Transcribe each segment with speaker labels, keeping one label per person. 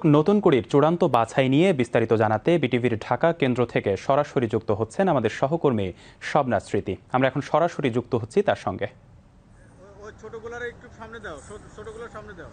Speaker 1: নতুন কুড়ির চূড়ান্ত বাছাই নিয়ে বিস্তারিত জানাতে বিটিভির ঢাকা কেন্দ্র থেকে সরাসরি যুক্ত হচ্ছেন আমাদের সহকর্মী শবনা স্মৃতি। আমরা এখন সরাসরি যুক্ত হচ্ছি তার সঙ্গে।
Speaker 2: ছোটগুলোর একটু সামনে দাও, ছোটগুলোর সামনে দাও।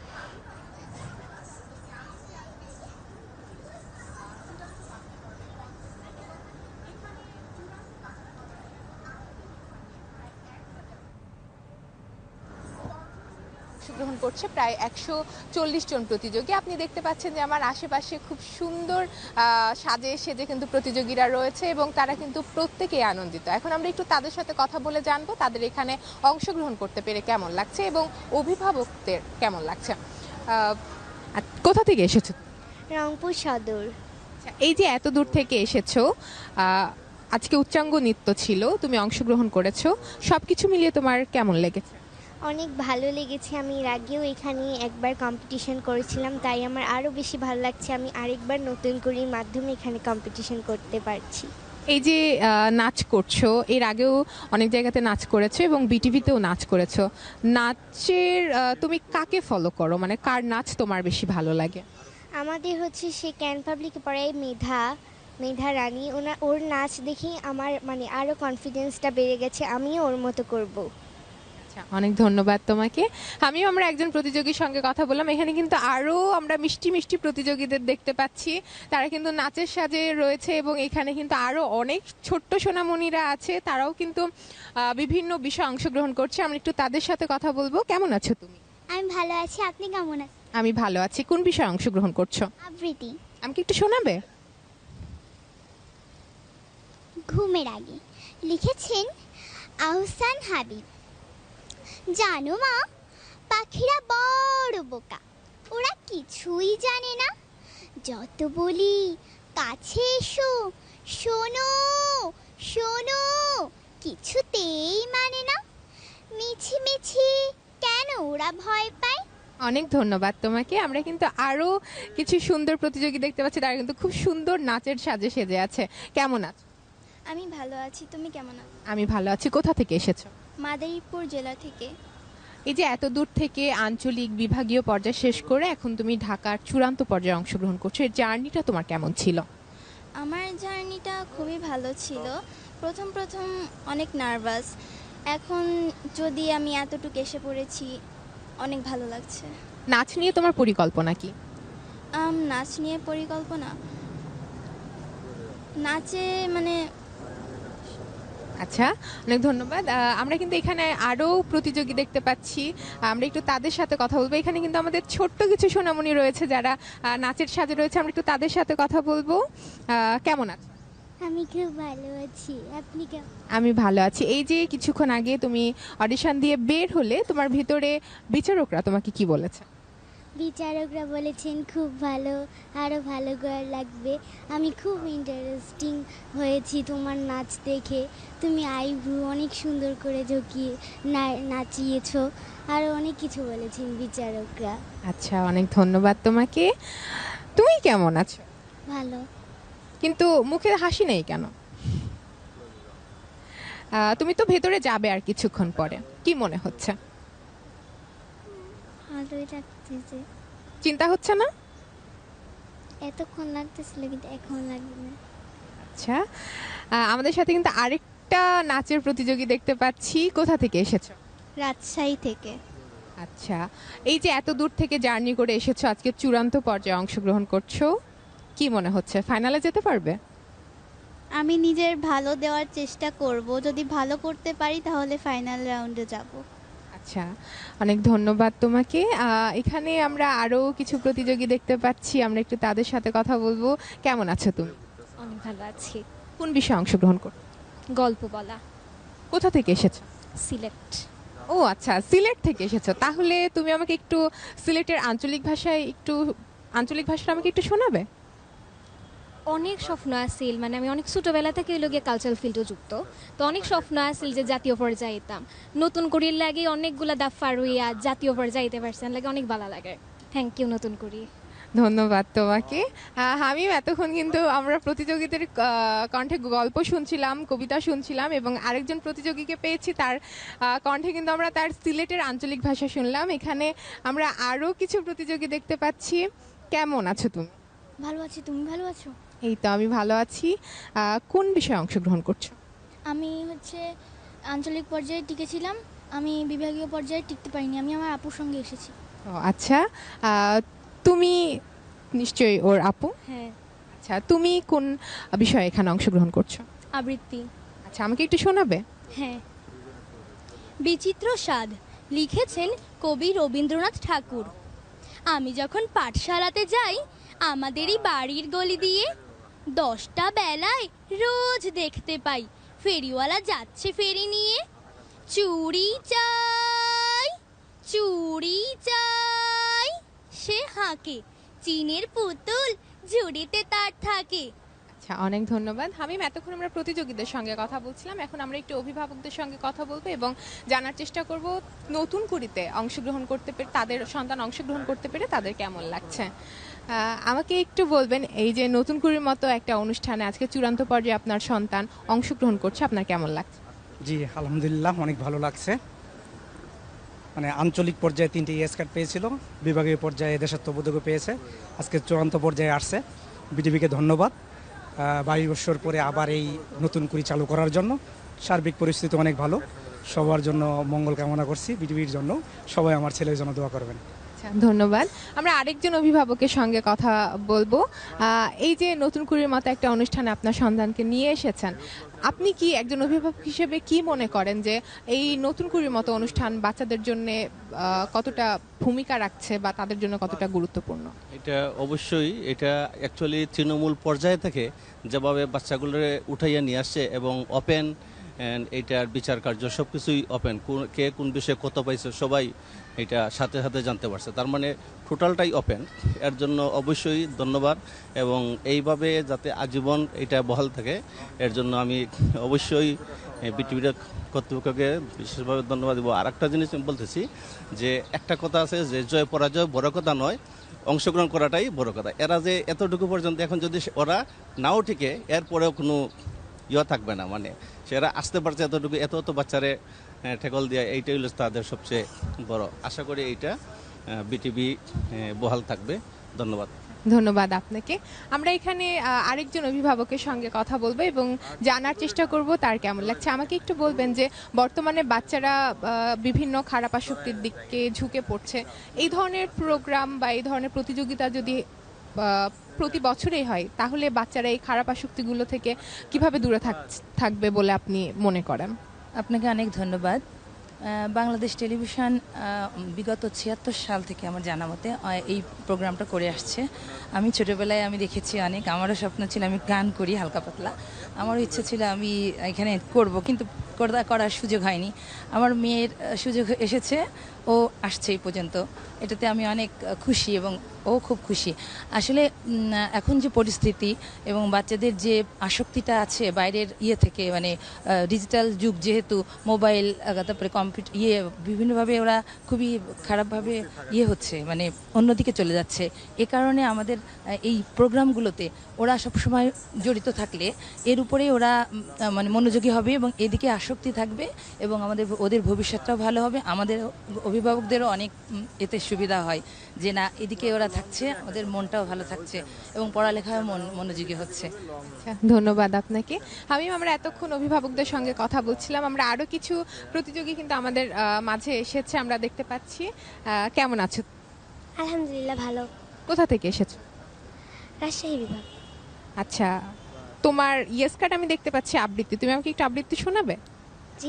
Speaker 3: অংশগ্রহণ করছে প্রায় 140 জন প্রতিযোগী। আপনি দেখতে পাচ্ছেন যে আমার আশেপাশে খুব সুন্দর সাজে সেজে কিন্তু প্রতিযোগীরা রয়েছে এবং তারা কিন্তু প্রত্যেকেই আনন্দিত। এখন আমরা একটু তাদের সাথে কথা বলে জানবো তাদের এখানে অংশগ্রহণ করতে পেরে কেমন লাগছে এবং অভিভাবকদের কেমন লাগছে। কোথা থেকে এসেছো?
Speaker 4: রংপুর সদর।
Speaker 3: এই যে এত দূর থেকে এসেছো, আজকে উচ্চাঙ্গ নৃত্য ছিল, তুমি অংশগ্রহণ করেছো, সবকিছু মিলিয়ে তোমার কেমন লেগেছে?
Speaker 4: অনেক ভালো লেগেছে। আমি এর আগেও এখানে একবার কম্পিটিশন করেছিলাম, তাই আমার আরও বেশি ভালো লাগছে। আমি আরেকবার নতুন করে মাধ্যমে এখানে কম্পিটিশন করতে পারছি।
Speaker 3: এই যে নাচ করছো, এর আগেও অনেক জায়গাতে নাচ করেছো এবং বিটিভিতেও নাচ করেছো। নাচের তুমি কাকে ফলো করো, মানে কার নাচ তোমার বেশি ভালো লাগে?
Speaker 4: আমাদের হচ্ছে সে ক্যান পাবলিকে পড়ায় মেধা রানী, ওর নাচ দেখি আমার মানে আরও কনফিডেন্সটা বেড়ে গেছে, আমিও ওর মতো করব।
Speaker 3: অনেক ধন্যবাদ তোমাকে। আমরা একজন প্রতিযোগীর সঙ্গে কথা বললাম। এখানে কিন্তু আরো আমরা মিষ্টি মিষ্টি প্রতিযোগীদের দেখতে পাচ্ছি, তারা কিন্তু নাচের সাজে রয়েছে এবং এখানে কিন্তু আরো অনেক ছোট্ট সোনামণিরা আছে, তারাও কিন্তু বিভিন্ন বিষয়ে অংশগ্রহণ করছে। আমরা একটু তাদের সাথে কথা বলবো। কেমন আছো তুমি?
Speaker 4: আমি ভালো আছি, আপনি কেমন আছেন?
Speaker 3: আমি ভালো আছি। কোন বিষয়ে অংশগ্রহণ করছো?
Speaker 4: আবৃত্তি।
Speaker 3: আমাকে একটু শোনাবে?
Speaker 4: ঘুমের আগে, লিখেছেন আহসান হাবিব। জানো মা, পাখিরা বড় বোকা, ওরা কিছুই জানে না। যত বলি কাছে এসো, শোনো শোনো, কিছুতেই মানে না। মিছি মিছি কেন ওরা ভয় পায়?
Speaker 3: অনেক ধন্যবাদ তোমাকে। আমরা কিন্তু আরো কিছু সুন্দর প্রতিযোগী দেখতে পাচ্ছি, তারা কিন্তু খুব সুন্দর নাচের সাজে সেজে আছে। কেমন আছো?
Speaker 4: আমি ভালো আছি, তুমি কেমন আছো?
Speaker 3: আমি ভালো আছি। কোথা থেকে এসেছো?
Speaker 4: মাদারীপুর জেলা থেকে।
Speaker 3: এই যে এত দূর থেকে আঞ্চলিক বিভাগীয় পর্যায়ে শেষ করে এখন তুমি ঢাকার চূড়ান্ত পর্যায়ে অংশগ্রহণ করছো, এর জার্নিটা তোমার কেমন ছিল?
Speaker 5: আমার জার্নিটা খুবই ভালো ছিল। প্রথম অনেক নার্ভাস, এখন যদি আমি এতটুকু এসে পড়েছি, অনেক ভালো লাগছে।
Speaker 3: নাচ নিয়ে তোমার পরিকল্পনা কি?
Speaker 5: নাচ নিয়ে পরিকল্পনা, নাচে মানে
Speaker 3: আচ্ছা, অনেক ধন্যবাদ। আমরা কিন্তু এখানে আরো প্রতিযোগী দেখতে পাচ্ছি, আমরা একটু তাদের সাথে কথা বলবো। এখানে কিন্তু আমাদের ছোট্ট কিছু সোনামণি রয়েছে যারা নাচের সাজে রয়েছে, আমরা একটু তাদের সাথে কথা বলবো। কেমন আছো?
Speaker 4: আমি খুব ভালো আছি, আপনি কেমন?
Speaker 3: আমি ভালো আছি। এই যে কিছুক্ষণ আগে তুমি অডিশন দিয়ে বের হলে, তোমার ভিতরে বিচারকরা তোমাকে কি বলেছে?
Speaker 4: বিচারকরা বলেছেন খুব ভালো, আরও ভালো করার লাগবে। আমি খুব ইন্টারেস্টিং হয়েছি তোমার নাচ দেখে। তুমি আইব্রু অনেক সুন্দর করে ঝুঁকিয়ে নাচিয়েছো, আরও অনেক কিছু বলেছেন বিচারকরা।
Speaker 3: আচ্ছা, অনেক ধন্যবাদ তোমাকে। তুমি কেমন আছো?
Speaker 4: ভালো।
Speaker 3: কিন্তু মুখে হাসি নেই কেন? তুমি তো ভেতরে যাবে আর কিছুক্ষণ পরে, কি মনে হচ্ছে?
Speaker 4: ভালোই লাগতেছে।
Speaker 3: চিন্তা হচ্ছে না?
Speaker 4: এতক্ষণ লাগতেছিল কিন্তু এখন লাগবে না।
Speaker 3: আচ্ছা, আমাদের সাথে কিন্তু আরেকটা নাচের প্রতিযোগী দেখতে পাচ্ছি। কোথা থেকে এসেছো?
Speaker 4: রাজশাহী থেকে।
Speaker 3: আচ্ছা, এই যে এত দূর থেকে জার্নি করে এসেছো, আজকে চূড়ান্ত পর্যায়ে অংশগ্রহণ করছো, কি মনে হচ্ছে ফাইনালে যেতে পারবে?
Speaker 5: আমি নিজের ভালো দেওয়ার চেষ্টা করব, যদি ভালো করতে পারি তাহলে ফাইনাল রাউন্ডে যাব।
Speaker 3: আচ্ছা, অনেক ধন্যবাদ তোমাকে। এখানে আমরা আরো কিছু প্রতিযোগী দেখতে পাচ্ছি, আমরা একটু তাদের সাথে কথা বলবো। কেমন আছো তুমি?
Speaker 5: অনেক ভালো আছি।
Speaker 3: কোন বিষয়ে অংশগ্রহণ করছো?
Speaker 5: গল্প বলা।
Speaker 3: কোথা থেকে এসেছো?
Speaker 5: সিলেক্ট।
Speaker 3: ও আচ্ছা, সিলেট থেকে এসেছো। তাহলে তুমি আমাকে একটু সিলেটের আঞ্চলিক ভাষাটা আমাকে একটু শোনাবে?
Speaker 6: অনেক স্বপ্ন আছিল, মানে আমি অনেক ছোটোবেলা থেকে লগে কালচারাল ফিল্ডও যুক্ত, তো অনেক স্বপ্ন আছিল যে জাতীয় পর্যায়ে যেতাম। নতুন করির লাগে অনেকগুলা দাফ পার হইয়া জাতীয় পর্যায়ে যেতে পারছেন, লাগে অনেক ভালো লাগে। থ্যাংক ইউ নতুন করি।
Speaker 3: ধন্যবাদ তোমাকে। আমিও এতক্ষণ কিন্তু আমরা প্রতিযোগীদের কণ্ঠে গল্প শুনছিলাম, কবিতা শুনছিলাম এবং আরেকজন প্রতিযোগীকে পেয়েছি, তার কণ্ঠে কিন্তু আমরা তার সিলেটের আঞ্চলিক ভাষা শুনলাম। এখানে আমরা আরও কিছু প্রতিযোগী দেখতে পাচ্ছি। কেমন আছো তুমি?
Speaker 5: ভালো আছি, তুমি ভালো আছো?
Speaker 3: এই তো আমি ভালো আছি। কোন বিষয়ে অংশগ্রহণ করছো?
Speaker 5: আমি আঞ্চলিক পর্যায়ে টিকেছিলাম, আমি বিভাগীয় পর্যায়ে টিকতে পারিনি, আমি আমার আপুর সঙ্গে এসেছি।
Speaker 3: ও আচ্ছা, তুমি নিশ্চয়ই ওর আপু।
Speaker 5: হ্যাঁ।
Speaker 3: আচ্ছা, তুমি কোন বিষয়ে এখানে অংশগ্রহণ করছো?
Speaker 5: আবৃত্তি।
Speaker 3: আচ্ছা, আমাকে একটু শোনাবে?
Speaker 5: হ্যাঁ। বিচিত্র স্বাদ লিখেছেন কবি রবীন্দ্রনাথ ঠাকুর। আমি যখন পাঠশালাতে যাই আমাদেরই বাড়ির গলি দিয়ে 10টা বেলায় রোজ দেখতে পাই ফেরিওয়ালা যাচ্ছে ফেরি নিয়ে। চুড়ি চাই, চুড়ি চাই, সে হাঁকে, চীনের পুতুল ঝুড়িতে তার থাকে।
Speaker 3: আচ্ছা, অনেক ধন্যবাদ হামিম। এতক্ষণ আমরা প্রতিযোগীদের সঙ্গে কথা বলছিলাম, এখন আমরা একটু অভিভাবকদের সঙ্গে কথা বলবো এবং জানার চেষ্টা করব নতুন কুড়িতে অংশগ্রহণ করতে পেরে, তাদের সন্তান অংশগ্রহণ করতে পেরে তাদের কেমন লাগছে। আমাকে একটু বলবেন, এই যে নতুন কুড়ির মতো একটা অনুষ্ঠানে আজকে চূড়ান্ত পর্যায়ে আপনার সন্তান অংশগ্রহণ করছে, আপনার কেমন লাগছে?
Speaker 7: জি আলহামদুলিল্লাহ, অনেক ভালো লাগছে। মানে আঞ্চলিক পর্যায়ে 3টি ইয়েস কার্ড পেয়েছিল, বিভাগীয় পর্যায়ে দেশাত্মবোধকও পেয়েছে, আজকে চূড়ান্ত পর্যায়ে আসছে। বিটিভিকে ধন্যবাদ 22 বছর পরে আবার এই নতুন কুড়ি চালু করার জন্য। সার্বিক পরিস্থিতি অনেক ভালো, সবার জন্য মঙ্গল কামনা করছি, বিটিভির জন্য সবাই আমার ছেলের জন্য দোয়া করবেন।
Speaker 3: আচ্ছা, ধন্যবাদ। আমরা আরেকজন অভিভাবকের সঙ্গে কথা বলবো। এই যে নতুন কুড়ির মতো একটা অনুষ্ঠানে আপনার সন্তানকে নিয়ে এসেছেন, আপনি কি একজন অভিভাবক হিসেবে কি মনে করেন যে এই নতুন কুড়ির মতো অনুষ্ঠান বাচ্চাদের জন্য কতটা ভূমিকা রাখছে বা তাদের জন্য কতটা গুরুত্বপূর্ণ?
Speaker 8: এটা অবশ্যই, এটা অ্যাকচুয়ালি তৃণমূল পর্যায় থেকে যেভাবে বাচ্চাগুলোরে উঠাইয়া নিয়ে আসছে এবং ওপেন এইটার বিচার কার্য সব কিছুই ওপেন, কে কোন বিষয়ে কত পাইছে সবাই এটা সাথে সাথে জানতে পারছে, তার মানে টোটালটাই ওপেন। এর জন্য অবশ্যই ধন্যবাদ এবং এইভাবে যাতে আজীবন এটা বহাল থাকে এর জন্য আমি অবশ্যই বিটিভির কর্তৃপক্ষকে বিশেষভাবে ধন্যবাদ দেবো। আর একটা জিনিস আমি বলতেছি যে একটা কথা আছে যে জয় পরাজয় বড় কথা নয়, অংশগ্রহণ করাটাই বড় কথা। এরা যে এতটুকু পর্যন্ত এখন যদি ওরা নাও টিকে এরপরেও কোনো থাকবে না, মানে সেরা আসতে পারছে এতটুকু, এত বাচ্চারে ঠেকল দেওয়া, এইটাই হলো তাদের সবচেয়ে বড়। আশা করি এইটা বিটিভি বহাল থাকবে। ধন্যবাদ।
Speaker 3: ধন্যবাদ আপনাকে। আমরা এখানে আরেকজন অভিভাবকের সঙ্গে কথা বলবো এবং জানার চেষ্টা করব তার কেমন লাগছে। আমাকে একটু বলবেন যে বর্তমানে বাচ্চারা বিভিন্ন খারাপ আসক্তির দিকে ঝুঁকে পড়ছে, এই ধরনের প্রোগ্রাম বা এই ধরনের প্রতিযোগিতা যদি প্রতি বছরেই হয় তাহলে বাচ্চারা এই খারাপ আসক্তিগুলো থেকে কিভাবে দূরে থাকবে বলে আপনি মনে করেন?
Speaker 9: আপনাকে অনেক ধন্যবাদ। বাংলাদেশ টেলিভিশন বিগত 76 সাল থেকে আমার জানা মতে এই প্রোগ্রামটা করে আসছে। আমি ছোটোবেলায় আমি দেখেছি অনেক, আমারও স্বপ্ন ছিল আমি গান করি হালকা পাতলা, আমারও ইচ্ছে ছিল আমি এখানে করব, কিন্তু করার সুযোগ হয়নি। আমার মেয়ের সুযোগ এসেছে, ও আসছে এই পর্যন্ত, এটাতে আমি অনেক খুশি এবং ও খুব খুশি। আসলে এখন যে পরিস্থিতি এবং বাচ্চাদের যে আসক্তিটা আছে বাইরের থেকে, মানে ডিজিটাল যুগ যেহেতু, মোবাইল তারপরে কম্পিউটার বিভিন্নভাবে ওরা খুবই খারাপভাবে হচ্ছে, মানে অন্যদিকে চলে যাচ্ছে। এ কারণে আমাদের এই প্রোগ্রামগুলোতে ওরা সবসময় জড়িত থাকলে এর উপরে ওরা মানে মনোযোগী হবে এবং এদিকে আসক্তি থাকবে এবং ওদের ভবিষ্যৎটাও ভালো হবে, আমাদের অভিভাবকদেরও অনেক এতে সুবিধা হয় যে না এদিকে ওরা থাকছে, আমাদের মনটাও ভালো থাকছে এবং পড়ালেখায় মনোযোগী হচ্ছে।
Speaker 3: আচ্ছা, ধন্যবাদ আপনাকে হামিম। আমরা এতক্ষণ অভিভাবকদের সঙ্গে কথা বলছিলাম, আমরা আরো কিছু প্রতিযোগী কিন্তু আমাদের মাঝে এসেছে, আমরা দেখতে পাচ্ছি। কেমন আছো?
Speaker 4: আলহামদুলিল্লাহ ভালো।
Speaker 3: কোথা থেকে এসেছো?
Speaker 4: রাজশাহী বিভাগ।
Speaker 3: আচ্ছা, তোমার ইয়েস কার্ড আমি দেখতে পাচ্ছি আবৃত্তি, তুমি আমাকে একটু আবৃত্তি শোনাবে?
Speaker 4: জি,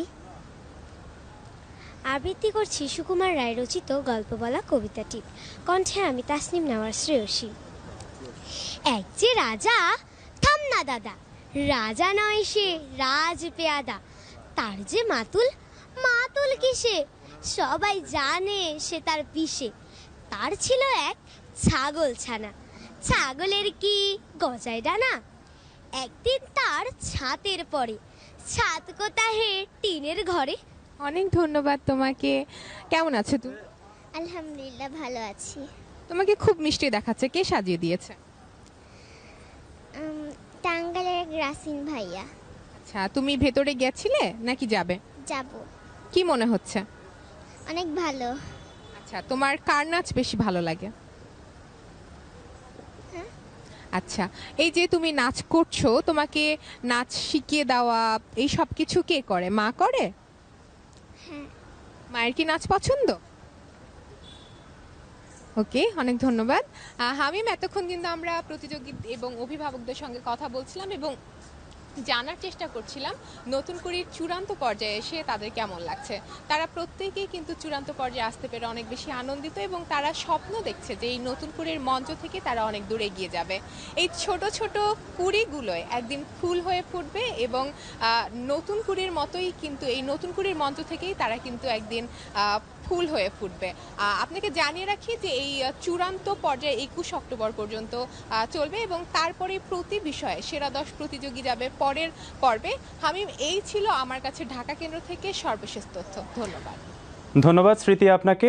Speaker 4: আবৃত্তি করছি সুকুমার রায় রচিত গল্প বলা কবিতাটি। কণ্ঠে আমি তাসনিম নেওয়ার শ্রেয়সী। এক যে রাজা, থাম না দাদা, রাজা নয় সে রাজ পেয়াদা, তার যে মাতুল, মাতুল কিসে, সবাই জানে সে তার পিসে। তার ছিল এক ছাগল ছানা, ছাগলের কি গজায় ডানা, একদিন তার ছাতের পরে, ছাত কোথাহে টিনের ঘরে।
Speaker 3: অনেক ধন্যবাদ তোমাকে। কেমন আছো তুমি?
Speaker 4: আলহামদুলিল্লাহ ভালো আছি।
Speaker 3: তোমাকে খুব মিষ্টি দেখাচ্ছে, কে সাজিয়ে দিয়েছে?
Speaker 4: টাঙ্গাইলের এক রাসিন ভাইয়া।
Speaker 3: আচ্ছা, তুমি ভেতরে গেছিলে নাকি যাবে?
Speaker 4: যাব।
Speaker 3: কি মনে হচ্ছে?
Speaker 4: অনেক ভালো।
Speaker 3: আচ্ছা, তোমার কার নাচ বেশি ভালো লাগে? আচ্ছা, এই যে তুমি নাচ করছো, তোমাকে নাচ শিখিয়ে দেওয়া এই সব কিছু কে করে? মা করে?
Speaker 4: হ্যাঁ।
Speaker 3: মায়ের কি নাচ পছন্দ? ওকে, অনেক ধন্যবাদ। হামিম, এতক্ষণ কিন্তু আমরা প্রতিযোগী এবং অভিভাবকদের সঙ্গে কথা বলছিলাম এবং জানার চেষ্টা করছিলাম নতুন কুড়ির চূড়ান্ত পর্যায়ে এসে তাদের কেমন লাগছে। তারা প্রত্যেকেই কিন্তু চূড়ান্ত পর্যায়ে আসতে পেরে অনেক বেশি আনন্দিত এবং তারা স্বপ্ন দেখছে যে এই নতুন কুড়ির মঞ্চ থেকে তারা অনেক দূর এগিয়ে যাবে। এই ছোট ছোট কুড়িগুলোয় একদিন ফুল হয়ে ফুটবে এবং নতুন কুড়ির মতোই কিন্তু এই নতুন কুড়ির মঞ্চ থেকেই তারা কিন্তু একদিন ফুল হয়ে ফুটবে। আপনাকে জানিয়ে রাখি যে এই চূড়ান্ত পর্যায়ে 21 অক্টোবর পর্যন্ত চলবে এবং তারপরে প্রতি বিষয়ে সেরা 10 প্রতিযোগী যাবে পরের পর্বে। হামিম, এই ছিল আমার কাছে ঢাকা কেন্দ্র থেকে সর্বশেষ তথ্য। ধন্যবাদ।
Speaker 1: ধন্যবাদ স্মৃতি আপনাকে।